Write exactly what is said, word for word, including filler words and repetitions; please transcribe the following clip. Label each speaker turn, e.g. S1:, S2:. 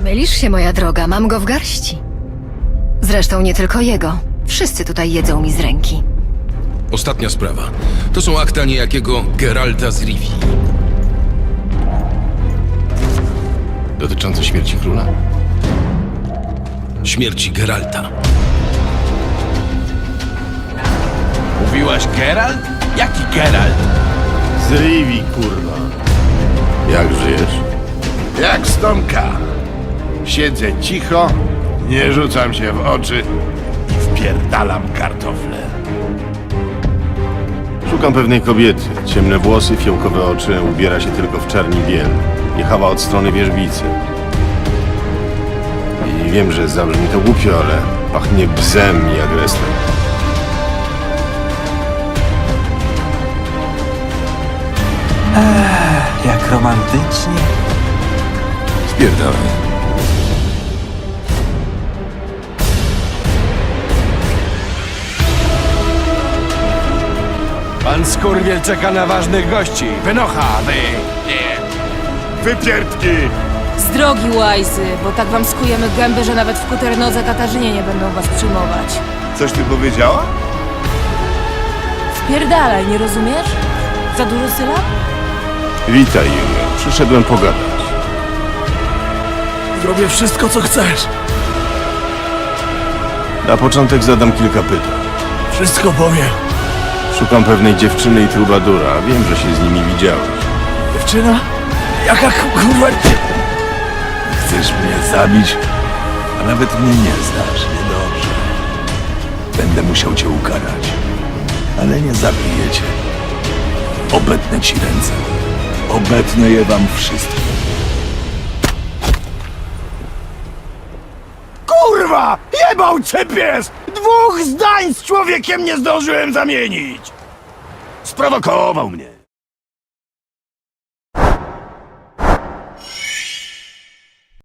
S1: Mylisz się, moja droga, mam go w garści. Zresztą nie tylko jego. Wszyscy tutaj jedzą mi z ręki.
S2: Ostatnia sprawa. To są akta niejakiego Geralta z Rivii.
S3: Dotyczące śmierci króla?
S2: Śmierci Geralta.
S4: Mówiłaś Geralt? Jaki Geralt?
S3: Z Rivii, kurwa. Jak żyjesz?
S5: Jak stomka. Siedzę cicho, nie rzucam się w oczy i wpierdalam kartofle.
S3: Szukam pewnej kobiety. Ciemne włosy, fiołkowe oczy, ubiera się tylko w czarni biel. Jechała od strony wierzbicy. I wiem, że zabrzmi to głupio, ale pachnie bzem i agresem.
S4: Jak romantycznie.
S3: Spierdalaj.
S4: Pan Skurwiel czeka na ważnych gości. Wynocha, wy!
S5: Wypierdki!
S6: Z drogi, łajzy, bo tak wam skujemy gęby, że nawet w kuternodze Katarzynie nie będą was przyjmować.
S5: Coś ty powiedziała?
S6: Wpierdalaj, nie rozumiesz? Za dużo sylab?
S3: Witaj, Junio. Przyszedłem pogadać.
S4: Zrobię wszystko, co chcesz.
S3: Na początek zadam kilka pytań.
S4: Wszystko powiem.
S3: Szukam pewnej dziewczyny i trubadura. Wiem, że się z nimi widziałeś.
S4: Dziewczyna? Jaka kurwa... Chcesz mnie zabić? A nawet mnie nie znasz, niedobrze. Będę musiał cię ukarać. Ale nie zabiję cię. Obetnę ci ręce. Obetnę je wam wszystkim.
S5: Kurwa! Jebał cię pies! Dwóch zdań z człowiekiem nie zdążyłem zamienić! Sprowokował mnie.